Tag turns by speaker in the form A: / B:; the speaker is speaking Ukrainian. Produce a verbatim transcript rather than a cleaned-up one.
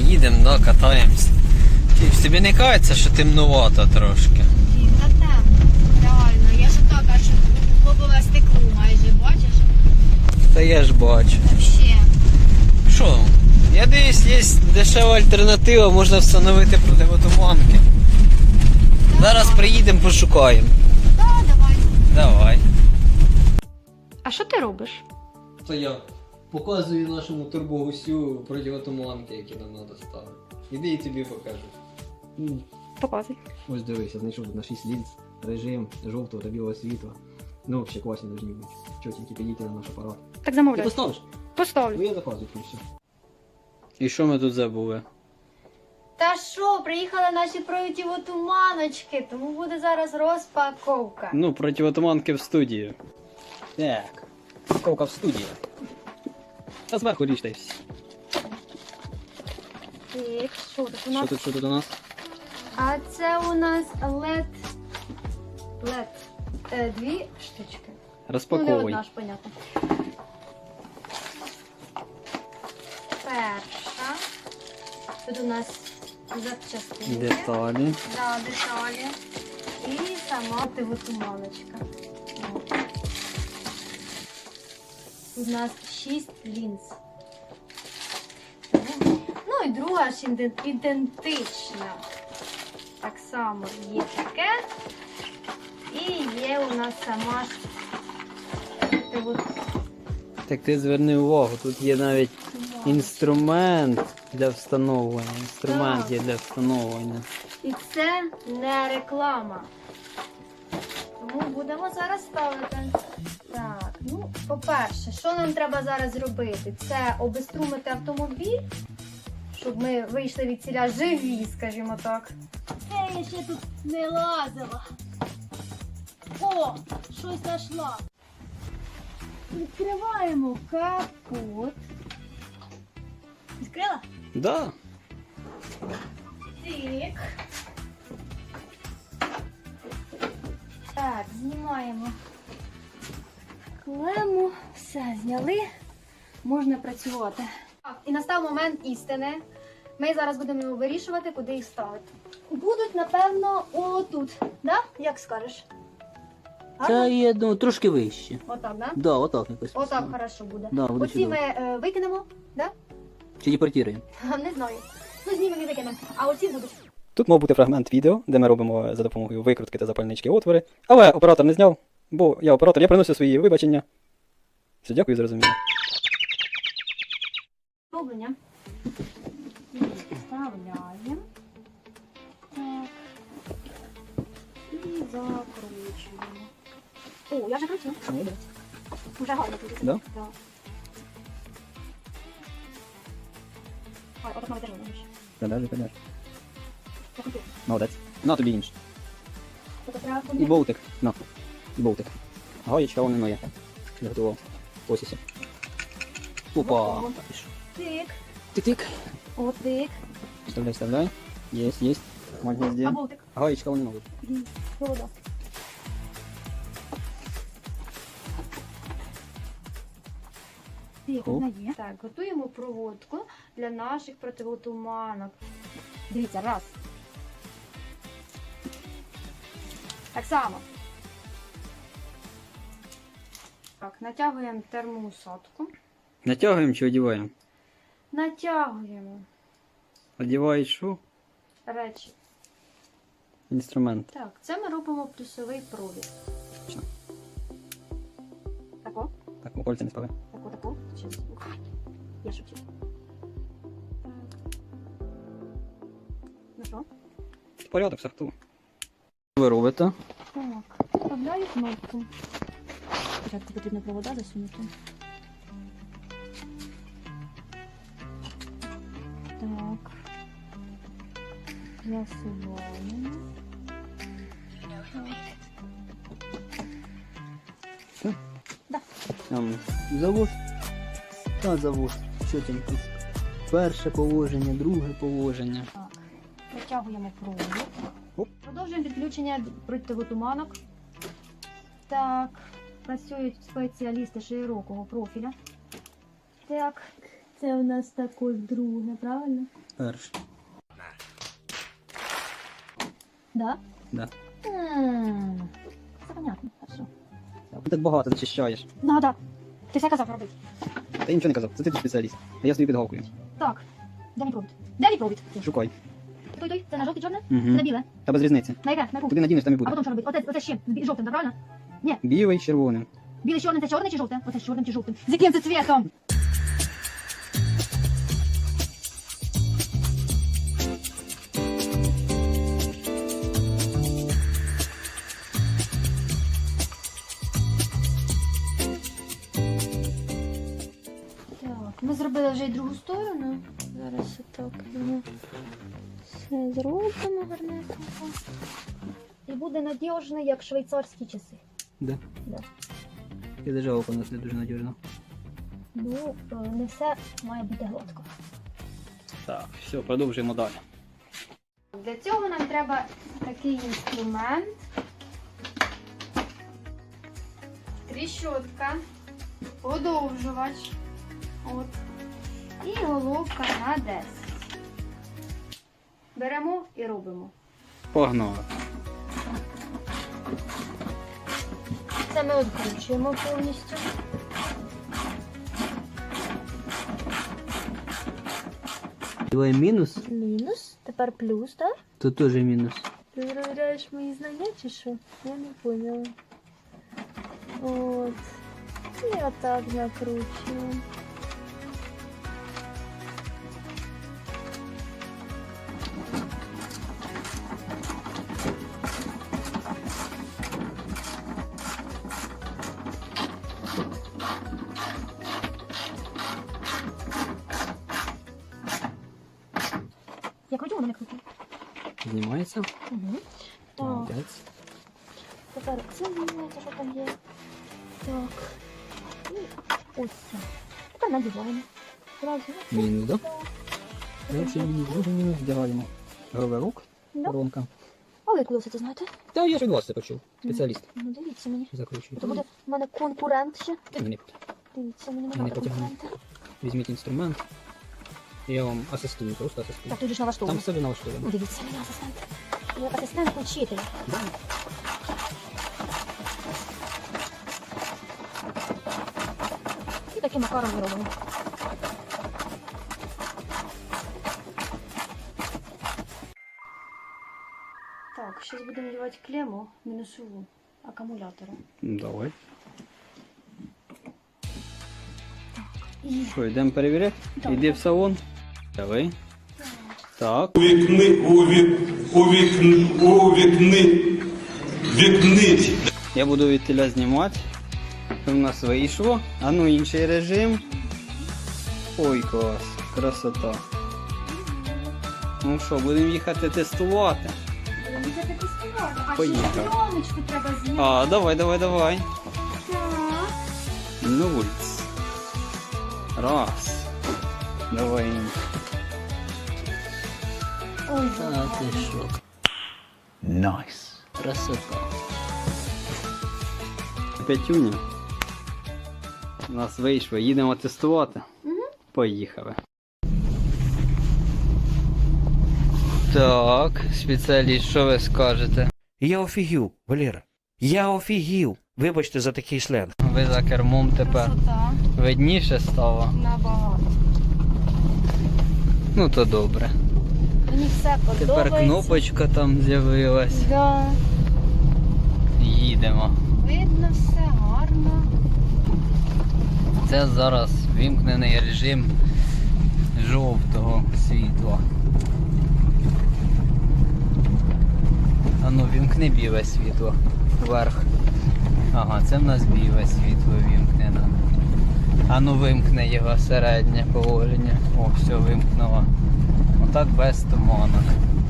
A: їдемо, да, катаємось. Чи тобі не кажеться, що темнувато трошки?
B: Та темно, реально. Я ж так аж лобове стекло майже, бачиш?
A: Та я ж бачу.
B: Вообще.
A: Що? Я дивлюсь, є дешева альтернатива, можна встановити противотуманки. Зараз приїдемо, пошукаємо.
B: Так, давай.
A: Давай.
C: А що ти робиш?
A: То я показую нашому турбогусю противотуманки, які нам треба ставити. Іди і тобі покажу.
C: Показуй.
D: Ось дивися, знайшов тут на шість лінз, режим жовтого та білого світла. Ну, ще класні повинні бути. Чотенькі підійти на наш апарат.
C: Так
D: Ти
C: замовляй.
D: поставиш?
C: Поставлю.
D: Ну я заказую і все.
A: І що ми тут забули?
B: Та що, приїхали наші противотуманочки, тому буде зараз розпаковка.
A: Ну, противотуманки в студії.
D: Так, упаковка в студії. Та зверху річ та й все.
B: Так, що тут у
D: Що
B: нас?
D: тут, що тут у нас?
B: А це у нас лед. Лед. Е, дві штучки. Ну, не
A: Розпаковуй.
B: одна ж, понятно. Перша. Тут у нас запчастини.
A: Деталі.
B: Да, деталі. І сама противотуманочка. От. Тут у нас шість лінз. Ну і друга ж іден- ідентична. Так само є таке. І є у нас сама ж противотуманочка.
A: Так ти зверни увагу, тут є навіть інструмент для встановлення. Інструмент
B: Так.
A: є для встановлення.
B: І це не реклама. Тому будемо зараз ставити. Так, ну, по-перше, що нам треба зараз зробити? Це обеструмити автомобіль, щоб ми вийшли від ціля живі, скажімо так. Це я ще тут не лазила. О, щось знайшла. Відкриваємо капот. Відкрила?
A: Да.
B: Так. Так, знімаємо клему. Все, зняли. Можна працювати. Так, і настав момент істини. Ми зараз будемо його вирішувати, куди їх ставити. Будуть, напевно, отут. Да? Як скажеш?
D: Та є, ну, трошки вище.
B: Отак, да?
D: Да, отак якось.
B: Отак хорошо буде.
D: Да, буде
B: Оці
D: чудово.
B: ми е, викинемо, да?
D: Чи депортуємо?
B: Не знаю. Ну, знімемо і викинемо. А оці будуть.
E: Тут мав бути фрагмент відео, де ми робимо за допомогою викрутки та запальнички отвори, але оператор не зняв, бо я оператор, я приносив свої вибачення. Все, дякую за розуміння.
B: Роблення. Вставляємо. Так. І закручуємо. О, я вже кручу. Уже гарно тут.
E: Да?
B: Так. Ой, отак навіть держу.
E: Подержи, подержи.
B: Так, отут.
E: Молодець. На тобі інше.
B: Тобто треба
E: І болтик. На. І болтик. Гаєчка вон моя. Я готував. Ось ось. Опа.
B: Тик.
E: Тик-тик.
B: Отик.
E: Вставляй, вставляй. Есть, есть. Молодец,
B: А
E: где?
B: болтик.
E: Гаечка вон новый.
B: Холода. Тик,
E: Оп.
B: одна є. Так, готуємо проводку для наших противотуманок. Дивіться, раз. Так само. Так, натягуємо термоусадку.
A: Натягуємо чи одіваємо?
B: Натягуємо
A: Одівають що?
B: речі.
A: Інструмент.
B: Так, це ми робимо плюсовий провід.
E: Що?
B: Тако,
E: Так, у кольця не спали.
B: тако, тако. Щас. Я шепчу. Так. Ну що?
E: Порядок, сорту.
A: Що ви робите?
B: Так, вставляю кнопку. Спочатку потрібно провода засунути. Так. Засуваємо.
A: Там завод. Та завод. Що там тут? Перше положення, друге положення.
B: Так. Протягуємо провод.
E: Оп.
B: Продовжуємо підключення противотуманок. Так. Працюють спеціалісти широкого профіля. Так. Це у нас також друге, правильно?
E: Перше.
B: Да?
E: Да.
B: М, Це понятно, хорошо.
E: Ти так багато зачищаєш.
B: Надо. Ти все казав робити.
E: Та я нічого не казав, це ти тут спеціаліст. А я собі підгавкую.
B: Так. Де мій провід? Де мій провід?
E: Шукай.
B: Той, той, це на жовте чорне?
E: Угу.
B: Це на біле?
E: Та без різниці.
B: На яке? На яку?
E: Куди надінеш, там і
B: А
E: буде.
B: потім що робити? Оце, оце з чим? З жовтим, так правильно?
E: Білий з червоним.
B: Біле з чорним, це чорне чи жовте? Оце з чорним чи жовтим? З яким це цвітом? Так, ми зробили вже й другу сторону. Зараз отак воно все зробимо гарненько. І буде надіжно, як швейцарські часи.
E: Да.
B: Да.
E: Я даже око нас не дуже надіжно.
B: Ну, е, не все має бути гладко.
E: Так, все, продовжуємо далі.
B: Для цього нам треба такий інструмент. Тріщотка, подовжувач. От. І головка на десять. Беремо і робимо.
E: Погнали.
B: Це ми відкручуємо повністю.
E: Твій мінус,
B: Мінус, тепер плюс, так?
E: то теж мінус.
B: Ти перевіряєш мої знання чи що? Я не поняла. От. І отак закручуємо. Я кручу, воно не кручу.
E: Знімається.
B: Угу. Так.
E: Молодець.
B: Тепер це знімається, що там є. Так. І ось це. Тепер надіваємо. Зразу.
E: Мінус, да?
B: Так.
E: Перший мінус, другий мінус, вдягаємо. Говерок,
B: Да.
E: коронка.
B: А ви коли все це знаєте?
E: Та я ж від вас це почув. Спеціаліст.
B: Ну дивіться мені.
E: Закручую.
B: То буде в мене конкурент ще.
E: Та ні,
B: Дивіться, мені
E: Не
B: немає
E: потягну.
B: конкурента.
E: візьміть інструмент. Я вам асистую, просто асистую.
B: Так, тут же ж
E: Там
B: налаштовано.
E: все налаштовано.
B: Ну, дивіться, мені асистент. Я асистент учителя.
E: Да.
B: І таким макаром ми робимо. Так, зараз будемо надівати клему мінусову акумулятора.
E: Давай.
B: І
E: Що, йдемо перевіряти?
B: Так.
E: Йди в салон. Давай. Так.
F: У вікни, у вік, у вікни, у вікни, вікни.
E: Я буду від тіля знімати. Що в нас вийшло. А ну інший режим. Ой, клас. Красота. Ну що, будемо їхати тестувати.
B: будемо взяти тестувати. А ще
E: Поїхали.
B: пленочку треба зняти.
E: А, давай, давай, давай.
B: Так.
E: Нуль. Раз. Давай.
B: Ой,
E: А ти
B: гарно.
E: що? Найс. Красота. П'ятюня. У нас вийшло. Їдемо тестувати.
B: Мгм.
E: Поїхали. Так, спеціаліст, що ви скажете?
G: Я офігів, Валера. Я офігів. Вибачте за такий сленг.
E: Ви за кермом тепер.
B: Красота.
E: Видніше стало?
B: Набагато.
E: Ну то добре.
B: Мені все подобається.
E: Тепер кнопочка там з'явилась.
B: Да.
E: Їдемо.
B: Видно все гарно.
E: Це зараз вімкнений режим жовтого світла. А ну вімкни біле світло вверх. Ага, це в нас біле світло вімкнено. А ну вимкни його середнє положення. О, все, вимкнуло. Отак без туманок.